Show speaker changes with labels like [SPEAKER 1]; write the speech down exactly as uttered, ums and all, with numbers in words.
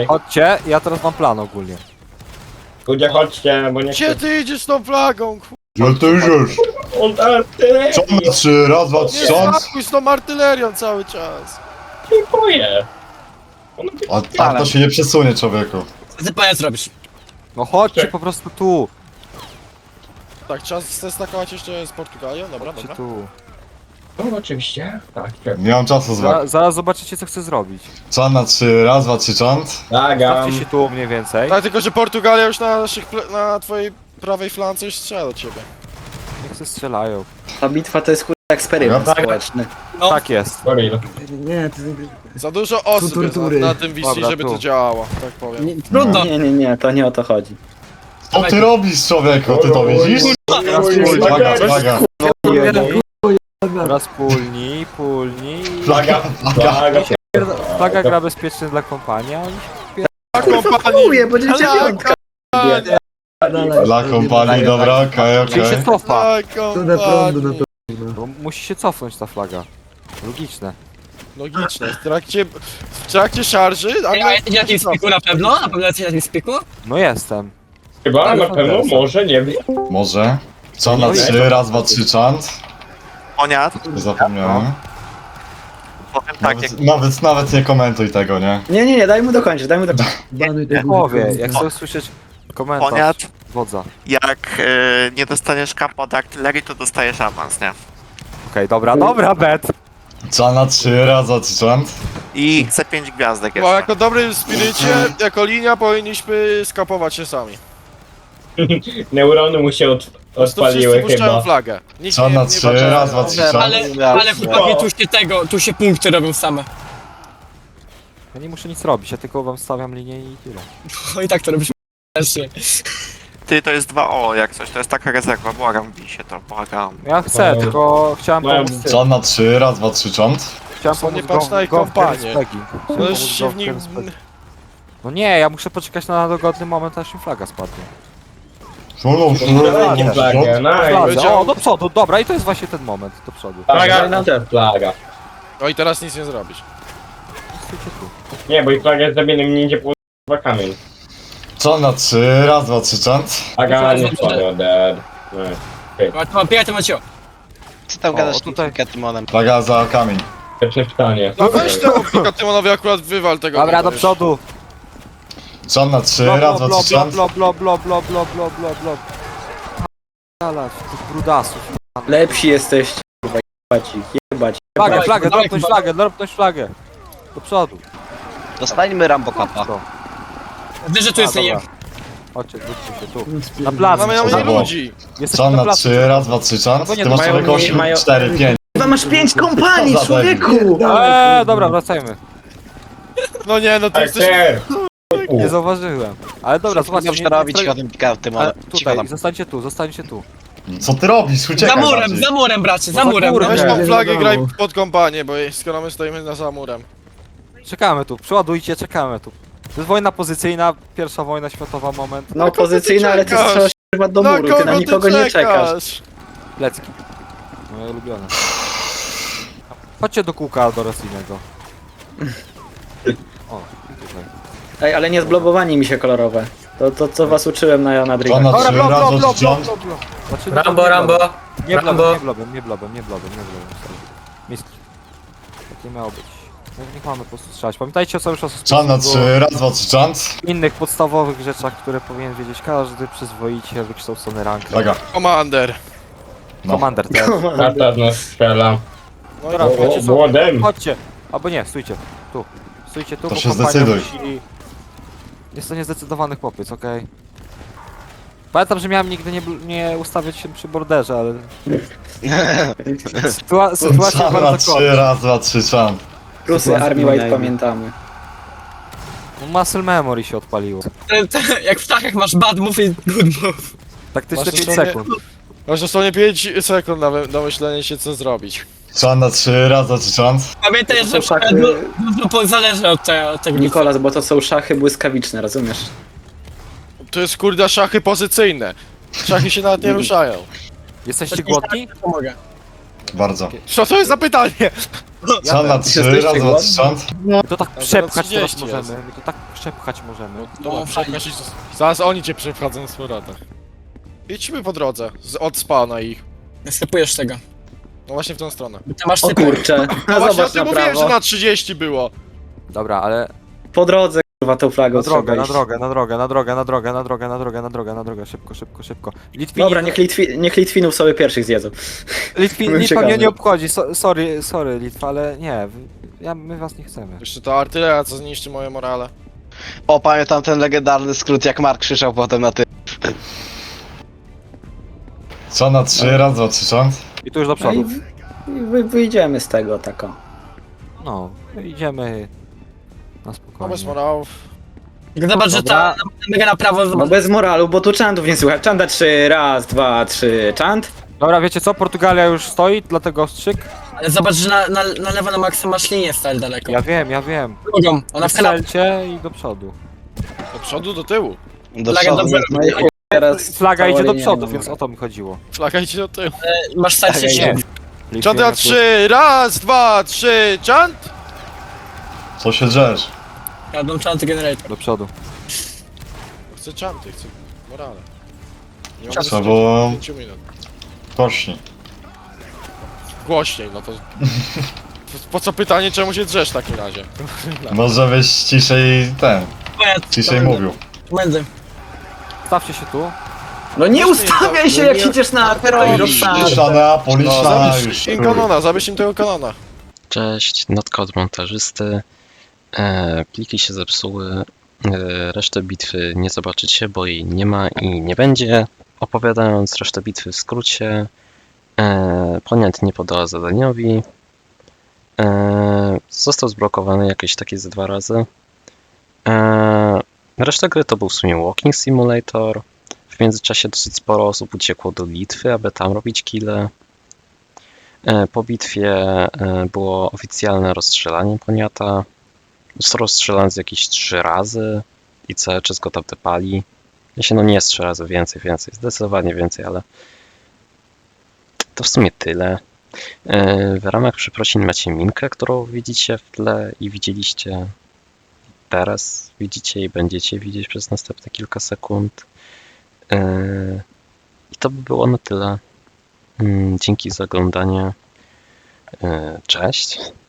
[SPEAKER 1] Chodźcie, ja teraz mam plan ogólnie.
[SPEAKER 2] Ludzie chodźcie, bo nie
[SPEAKER 3] Gdzie
[SPEAKER 2] chcę...
[SPEAKER 3] ty idziesz z tą flagą, ku...
[SPEAKER 4] No to już już.
[SPEAKER 2] On artylerii!
[SPEAKER 4] Co na trzy, raz, dwa,
[SPEAKER 3] Nie
[SPEAKER 4] trzy, cząt.
[SPEAKER 3] skakuj z tą artylerią cały czas.
[SPEAKER 2] Dziękuję!
[SPEAKER 4] A tak to się nie przesunie, człowieku.
[SPEAKER 5] Co ty pajac robisz?
[SPEAKER 1] No chodźcie
[SPEAKER 2] Czek.
[SPEAKER 1] po prostu tu.
[SPEAKER 3] Tak, trzeba zestakować jeszcze z Portugalią, dobra,
[SPEAKER 1] Chodźcie
[SPEAKER 3] dobra.
[SPEAKER 1] tu.
[SPEAKER 2] No oczywiście. Tak, tak.
[SPEAKER 4] Nie mam czasu z
[SPEAKER 1] Za,
[SPEAKER 4] wami.
[SPEAKER 1] zaraz zobaczycie co chcę zrobić.
[SPEAKER 4] Czan na trzy, raz, dwa, trzy, cząt.
[SPEAKER 2] Nagam.
[SPEAKER 1] Stawcie się tu mniej więcej.
[SPEAKER 3] Tak, tylko że Portugalia już na, naszych, ple- na twojej prawej flance już strzela do ciebie.
[SPEAKER 1] Niech się strzelają.
[SPEAKER 6] Ta bitwa to jest kurwa eksperyment
[SPEAKER 4] Dobra.
[SPEAKER 6] społeczny.
[SPEAKER 5] No.
[SPEAKER 1] Tak jest.
[SPEAKER 2] Goril.
[SPEAKER 7] Nie, to...
[SPEAKER 3] Za dużo osób jest
[SPEAKER 7] tortury.
[SPEAKER 3] na, na tym V C,
[SPEAKER 1] Dobra,
[SPEAKER 3] żeby
[SPEAKER 1] tu.
[SPEAKER 3] to działało, tak powiem.
[SPEAKER 6] Nie,
[SPEAKER 5] Trudno.
[SPEAKER 6] nie, nie, nie, to nie o to chodzi.
[SPEAKER 4] Co ty robisz, człowieku? Ty to widzisz? Flaga, flaga.
[SPEAKER 1] Teraz pulni, pulni.
[SPEAKER 4] Flaga, flaga.
[SPEAKER 2] Flaga.
[SPEAKER 1] Flaga gra bezpieczny dla kompanii, a oni
[SPEAKER 3] A kompanii!
[SPEAKER 6] Mówię, bo dziecię piątka.
[SPEAKER 4] Dla kompanii, dobra, okej,
[SPEAKER 1] Czyli się
[SPEAKER 4] okej.
[SPEAKER 1] cofa.
[SPEAKER 3] A
[SPEAKER 7] To na prądu, na
[SPEAKER 3] kompanii!
[SPEAKER 7] pewno.
[SPEAKER 1] Bo musi się cofnąć ta flaga. Logiczne.
[SPEAKER 3] Logiczne, w trakcie, w trakcie szarży, a
[SPEAKER 5] Ej, a jesteś na tym spiku na pewno? Na pewno jesteś na tym spiku?
[SPEAKER 1] No jestem.
[SPEAKER 2] Chyba na pewno, może, nie wiem.
[SPEAKER 4] Może. Czan na trzy, raz, dwa, trzy, czant.
[SPEAKER 8] Oniat,
[SPEAKER 4] Zapomniałem.
[SPEAKER 8] powiem tak, jak
[SPEAKER 4] Nawet, nawet, nawet nie komentuj tego, nie?
[SPEAKER 6] Nie, nie, nie, daj mu dokończyć, daj mu dokończyć.
[SPEAKER 7] Banuj
[SPEAKER 1] Jak
[SPEAKER 7] tego
[SPEAKER 1] powie,
[SPEAKER 7] guzika.
[SPEAKER 1] jak chcę usłyszeć komentarz
[SPEAKER 8] Oniat,
[SPEAKER 1] wodza.
[SPEAKER 8] jak e, nie dostaniesz kapa od artylerii, to dostajesz awans, nie?
[SPEAKER 1] Okej, dobra, dobra, bet.
[SPEAKER 4] Czan na trzy, raz, dwa, trzy, czant.
[SPEAKER 8] I chcę pięć gwiazdek
[SPEAKER 3] Bo
[SPEAKER 8] jeszcze.
[SPEAKER 3] jako dobry spirycie, jako linia powinniśmy skapować się sami.
[SPEAKER 2] Neurony mu się od,
[SPEAKER 3] Po prostu
[SPEAKER 2] odpaliły
[SPEAKER 3] wszyscy puszczają
[SPEAKER 2] chyba.
[SPEAKER 3] flagę. Nikt
[SPEAKER 4] Czan
[SPEAKER 3] nie,
[SPEAKER 4] na
[SPEAKER 3] nie
[SPEAKER 4] trzy,
[SPEAKER 3] walczy.
[SPEAKER 4] raz, dwa, trzy, czant.
[SPEAKER 5] Ale, ale chłopaki, tu się tego, tu się punkty robią same.
[SPEAKER 1] Ja nie muszę nic robić, ja tylko wam stawiam linię i tyle.
[SPEAKER 5] O i tak to robisz też się.
[SPEAKER 8] Ty, to jest dwa O jak coś, to jest taka rezerwa, błagam, bij się to, błagam.
[SPEAKER 1] Ja chcę,
[SPEAKER 2] No.
[SPEAKER 1] tylko chciałem
[SPEAKER 2] No,
[SPEAKER 1] pomóc tym.
[SPEAKER 4] Czan na trzy, raz, dwa, trzy, czant.
[SPEAKER 1] Chciałem
[SPEAKER 3] Co, nie
[SPEAKER 1] pomóc
[SPEAKER 3] patrz
[SPEAKER 1] go-
[SPEAKER 3] na ich
[SPEAKER 1] go w
[SPEAKER 3] kompanię.
[SPEAKER 1] Kerenspegi. Chciałem
[SPEAKER 3] No już
[SPEAKER 1] pomóc
[SPEAKER 3] się
[SPEAKER 1] go
[SPEAKER 3] w
[SPEAKER 1] w
[SPEAKER 3] nim...
[SPEAKER 1] Kerenspegi. No nie, ja muszę poczekać na dogodny moment, aż mi flaga spadnie.
[SPEAKER 4] Szulą,
[SPEAKER 2] Flaga, flaga, nice.
[SPEAKER 1] Flaga,
[SPEAKER 3] powiedział-
[SPEAKER 1] o, do przodu, dobra, i to jest właśnie ten moment, do przodu.
[SPEAKER 2] Flaga, flaga.
[SPEAKER 3] No i teraz nic nie zrobisz.
[SPEAKER 1] Stójcie tu.
[SPEAKER 2] Nie, bo i flaga jest zabieniem, nie idzie po dwa kamień.
[SPEAKER 4] Czan na trzy, raz, dwa, trzy, czant.
[SPEAKER 2] Flaga nie spadła, dead. Nice.
[SPEAKER 5] Ma- Mam pijatę Macio.
[SPEAKER 9] Co tam
[SPEAKER 1] O,
[SPEAKER 9] gadasz
[SPEAKER 1] tutaj-
[SPEAKER 9] tutaj Tymonem?
[SPEAKER 4] Flaga za kamień.
[SPEAKER 2] Pierwsze pytanie.
[SPEAKER 3] No weź temu pika Tymonowi akurat wywal tego.
[SPEAKER 1] Dobra, do
[SPEAKER 3] wiesz.
[SPEAKER 1] przodu.
[SPEAKER 4] Czan na trzy,
[SPEAKER 1] Blo,
[SPEAKER 4] raz,
[SPEAKER 1] blo,
[SPEAKER 4] dwa,
[SPEAKER 1] blo,
[SPEAKER 4] trzy,
[SPEAKER 1] blo,
[SPEAKER 4] czant.
[SPEAKER 1] blo, blo, blo, blo, blo, blo, blo, blo. Dalać, tych brudasów.
[SPEAKER 6] Lepsi jesteście, kurwa, jebać ich, jebać.
[SPEAKER 1] Flagę,
[SPEAKER 5] Dawaj,
[SPEAKER 1] flagę,
[SPEAKER 5] dawaj,
[SPEAKER 1] dropnąć
[SPEAKER 5] dawaj.
[SPEAKER 1] flagę, dropnąć flagę. Do przodu.
[SPEAKER 9] Dostańmy Rambo Kapa.
[SPEAKER 1] To.
[SPEAKER 5] Wiesz, że tu
[SPEAKER 1] A,
[SPEAKER 5] jest nie.
[SPEAKER 1] dobra. Chodźcie, wróćcie się tu.
[SPEAKER 7] No,
[SPEAKER 1] Na plac.
[SPEAKER 3] Mamy na mnie
[SPEAKER 4] Brawo.
[SPEAKER 3] ludzi.
[SPEAKER 1] Jesteśmy
[SPEAKER 4] Czan
[SPEAKER 1] na
[SPEAKER 4] na
[SPEAKER 1] placu.
[SPEAKER 4] trzy, raz, dwa, trzy, czant.
[SPEAKER 1] No bo nie,
[SPEAKER 4] Ty masz
[SPEAKER 6] mają
[SPEAKER 4] człowieku
[SPEAKER 6] mniej-
[SPEAKER 4] osiem,
[SPEAKER 6] mają-
[SPEAKER 4] cztery, pięć.
[SPEAKER 6] Chyba masz pięć kompanii,
[SPEAKER 4] Co za
[SPEAKER 6] człowieku!
[SPEAKER 1] Eee, dobra, wracajmy.
[SPEAKER 3] No nie, no ty jesteś...
[SPEAKER 2] Artyler!
[SPEAKER 1] Nie zauważyłem. Ale dobra, zobaczcie.
[SPEAKER 9] Dobrze
[SPEAKER 1] nie- nie
[SPEAKER 9] robić,
[SPEAKER 1] stoi-
[SPEAKER 9] chodem pika Tymonem.
[SPEAKER 1] Ale
[SPEAKER 9] Cicho
[SPEAKER 1] tutaj,
[SPEAKER 9] tam.
[SPEAKER 1] zostańcie tu, zostańcie tu.
[SPEAKER 4] Co ty robisz?
[SPEAKER 5] Za
[SPEAKER 4] Uciekaj
[SPEAKER 5] murem,
[SPEAKER 4] bardziej.
[SPEAKER 5] za murem, bracie, za
[SPEAKER 1] No za
[SPEAKER 5] murem.
[SPEAKER 1] murem.
[SPEAKER 3] Weź
[SPEAKER 1] Nie,
[SPEAKER 3] tą
[SPEAKER 7] nie
[SPEAKER 3] flagę,
[SPEAKER 7] wiadomo.
[SPEAKER 3] graj pod kompanię, bo skoro my stoimy na za murem.
[SPEAKER 1] Czekamy tu, przeładujcie, czekamy tu. To jest wojna pozycyjna, pierwsza wojna światowa, moment.
[SPEAKER 6] No opozycyjna, ale ty
[SPEAKER 3] czekasz?
[SPEAKER 6] strzelasz chyba do
[SPEAKER 3] Na
[SPEAKER 6] muru, ty na
[SPEAKER 3] kogo
[SPEAKER 6] nikogo nie czekasz.
[SPEAKER 1] Lecki. Moje ulubione. Chodźcie do kółka do Rosyjnego. O, tutaj.
[SPEAKER 6] Ej, ale nie zblobowani mi się kolorowe. To, to co was uczyłem na, na
[SPEAKER 4] Czan
[SPEAKER 6] drigach.
[SPEAKER 4] na
[SPEAKER 1] Dobra,
[SPEAKER 4] trzy,
[SPEAKER 1] blo,
[SPEAKER 4] raz,
[SPEAKER 1] blo,
[SPEAKER 4] dwa,
[SPEAKER 1] blo,
[SPEAKER 4] trzy,
[SPEAKER 1] blo,
[SPEAKER 4] czant.
[SPEAKER 1] blo, blo. Znaczy,
[SPEAKER 3] Rambo,
[SPEAKER 1] nie
[SPEAKER 3] Rambo.
[SPEAKER 1] blobem. Nie blobem,
[SPEAKER 3] Rambo.
[SPEAKER 1] nie blobem, nie blobem, nie blobem, nie blobem. sorry. Mistrz. Tak nie miało być. No, niech mamy po prostu strzelać. Pamiętajcie cały czas o
[SPEAKER 4] Czan na
[SPEAKER 1] sposób-
[SPEAKER 4] trzy, raz, dwa, trzy, czant.
[SPEAKER 1] innych podstawowych rzeczach, które powinien wiedzieć każdy przyzwoicie wykształcony rank.
[SPEAKER 4] Flaga.
[SPEAKER 3] Komander.
[SPEAKER 4] No.
[SPEAKER 1] Komander też.
[SPEAKER 2] Tata z nas strzela.
[SPEAKER 3] No
[SPEAKER 1] Dobra,
[SPEAKER 3] i
[SPEAKER 1] wiecie co?
[SPEAKER 2] Młodym.
[SPEAKER 1] Chodźcie. Albo nie, stójcie. Tu. Stójcie tu,
[SPEAKER 4] To
[SPEAKER 1] bo
[SPEAKER 4] się
[SPEAKER 1] kompania
[SPEAKER 4] zdecyduj.
[SPEAKER 1] musi... Jest to niezdecydowany chłopiec, okej? Pamiętam, że miałem nigdy nie, bl- nie ustawiać się przy borderze, ale... Sytua sytuacja
[SPEAKER 4] Czan na
[SPEAKER 1] bardzo
[SPEAKER 4] trzy,
[SPEAKER 1] krótka.
[SPEAKER 4] raz, dwa, trzy, czant.
[SPEAKER 6] Rusy Army White pamiętamy.
[SPEAKER 1] Muscle memory się odpaliło.
[SPEAKER 5] Te- te- Jak w ptakach masz bad move i good move.
[SPEAKER 1] Taktyczne
[SPEAKER 3] Masz
[SPEAKER 1] pięć
[SPEAKER 3] dosłownie-
[SPEAKER 1] sekund.
[SPEAKER 3] Masz dosłownie pięć sekund na wy- na myślenie się co zrobić.
[SPEAKER 4] Czan na trzy, raz, dwa, trzy, czant.
[SPEAKER 5] Pamiętaj,
[SPEAKER 6] To
[SPEAKER 5] że
[SPEAKER 6] są szachy,
[SPEAKER 5] du- dużo po- zależy od te- od tego.
[SPEAKER 6] Nikolas, bo to są szachy błyskawiczne, rozumiesz?
[SPEAKER 3] To jest kurde szachy pozycyjne. Szachy się nawet nie ruszają.
[SPEAKER 1] Jesteście głodni?
[SPEAKER 5] Pomogę.
[SPEAKER 4] Bardzo.
[SPEAKER 3] Co to jest za pytanie?
[SPEAKER 4] Co na trzy,
[SPEAKER 6] Jesteście
[SPEAKER 4] raz, dwa,
[SPEAKER 6] głodni?
[SPEAKER 4] trzy, czant.
[SPEAKER 1] My to tak
[SPEAKER 3] A
[SPEAKER 1] przepchać
[SPEAKER 3] zaraz
[SPEAKER 1] teraz
[SPEAKER 3] trzydzieści jest.
[SPEAKER 1] możemy. My to tak przepchać możemy.
[SPEAKER 3] Dobra,
[SPEAKER 5] No,
[SPEAKER 3] przepchasz i zaraz oni cię przepchadzą z powrotem. Idźmy po drodze, z, od spawna ich.
[SPEAKER 5] Sklepujesz tego.
[SPEAKER 3] No właśnie w tą stronę.
[SPEAKER 5] Ty masz
[SPEAKER 6] O
[SPEAKER 5] sypę.
[SPEAKER 6] kurcze.
[SPEAKER 3] No
[SPEAKER 6] A
[SPEAKER 3] właśnie o
[SPEAKER 6] zobacz
[SPEAKER 3] tym
[SPEAKER 6] na
[SPEAKER 3] mówiłem, że
[SPEAKER 6] prawo.
[SPEAKER 3] na trzydzieści było.
[SPEAKER 1] Dobra, ale
[SPEAKER 6] Po drodze kurwa tą flagą
[SPEAKER 1] na drogę,
[SPEAKER 6] trzeba
[SPEAKER 1] na
[SPEAKER 6] iść.
[SPEAKER 1] drogę, na drogę, na drogę, na drogę, na drogę, na drogę, na drogę, na drogę, szybko, szybko, szybko. Litwini,
[SPEAKER 6] Dobra, niech, Litwi, niech Litwinów sobie pierwszych zjedzą.
[SPEAKER 1] Litwi,
[SPEAKER 6] byłem
[SPEAKER 1] Litwa mnie
[SPEAKER 6] ciekawy.
[SPEAKER 1] nie obchodzi, so, sorry, sorry Litwa, ale nie, wy- ja, my was nie chcemy.
[SPEAKER 3] Jeszcze ta artyleria, co zniszczy moje morale.
[SPEAKER 9] O, pamiętam ten legendarny skrót, jak Mark krzyczał potem na ty.
[SPEAKER 4] Co na trzy, raz, dwa, trzy, czant.
[SPEAKER 1] I tu już do
[SPEAKER 6] No i
[SPEAKER 1] przodu.
[SPEAKER 6] w- i wy, wyjdziemy z tego tako.
[SPEAKER 1] No, idziemy na
[SPEAKER 3] No bez
[SPEAKER 1] spokojnie.
[SPEAKER 3] morałów.
[SPEAKER 5] Zobacz, że ta mega na prawo,
[SPEAKER 6] No
[SPEAKER 5] zobacz.
[SPEAKER 6] bez moralu, bo tu czantów nie słychać. Czanta trzy, raz, dwa, trzy, czant.
[SPEAKER 1] Dobra, wiecie co, Portugalia już stoi, dlatego ostrzyk.
[SPEAKER 5] Ale zobacz, że na, na, na lewo na maksa masz linię stale daleko.
[SPEAKER 1] Ja wiem, ja wiem.
[SPEAKER 5] Drugą, ona w kanapie.
[SPEAKER 1] Strzelcie i do przodu.
[SPEAKER 3] Do przodu, do tyłu.
[SPEAKER 9] Do
[SPEAKER 5] Flaga
[SPEAKER 9] przodu.
[SPEAKER 5] dobrze.
[SPEAKER 6] No i chuj, teraz
[SPEAKER 1] Flaga
[SPEAKER 6] cała
[SPEAKER 1] idzie do
[SPEAKER 6] linia
[SPEAKER 1] przodu,
[SPEAKER 6] nie
[SPEAKER 1] więc
[SPEAKER 6] ma.
[SPEAKER 1] o to mi chodziło.
[SPEAKER 3] Flaga idzie do tyłu.
[SPEAKER 5] Masz stać się
[SPEAKER 9] Tak,
[SPEAKER 5] siedem.
[SPEAKER 3] Czant na trzy, raz, dwa, trzy, czant!
[SPEAKER 4] Co się drzesz?
[SPEAKER 5] Jadą czanty generator.
[SPEAKER 1] Do przodu.
[SPEAKER 3] Chcę czanty, chcę morale. Nie
[SPEAKER 5] Czanty.
[SPEAKER 4] Trzeba było
[SPEAKER 3] pięć minut.
[SPEAKER 4] głośniej.
[SPEAKER 3] Głośniej, no to... Po co pytanie, czemu się drzesz w takim razie?
[SPEAKER 4] Może byś ciszej ten, ciszej mówił.
[SPEAKER 5] Między.
[SPEAKER 1] Stawcie się tu.
[SPEAKER 6] No nie ustawiaj się,
[SPEAKER 3] No
[SPEAKER 6] jak
[SPEAKER 3] nie-
[SPEAKER 6] siedzisz na terrorie.
[SPEAKER 4] Liczana, policzna,
[SPEAKER 3] Zabierz
[SPEAKER 4] już.
[SPEAKER 3] im kanona, zabierz im tego kanona.
[SPEAKER 7] Cześć, notka od montażysty. E, pliki się zepsuły. E, resztę bitwy nie zobaczycie, bo jej nie ma i nie będzie. Opowiadając resztę bitwy w skrócie, e, Poniat nie podała zadaniowi. E, został zblokowany jakieś takie ze dwa razy. E, reszta gry to był w sumie Walking Simulator. W międzyczasie dosyć sporo osób uciekło do Litwy, aby tam robić kille. E, Po bitwie e, było oficjalne rozstrzelanie Poniata. Został rozstrzelany z jakieś trzy razy i cały czas go tam tepali. Jeśli no nie jest trzy razy, więcej, więcej, zdecydowanie więcej, ale to w sumie tyle. E, W ramach przeprosin macie minkę, którą widzicie w tle i widzieliście teraz, widzicie i będziecie widzieć przez następne kilka sekund. E, I to by było na tyle. Mm, Dzięki za oglądanie. E, Cześć.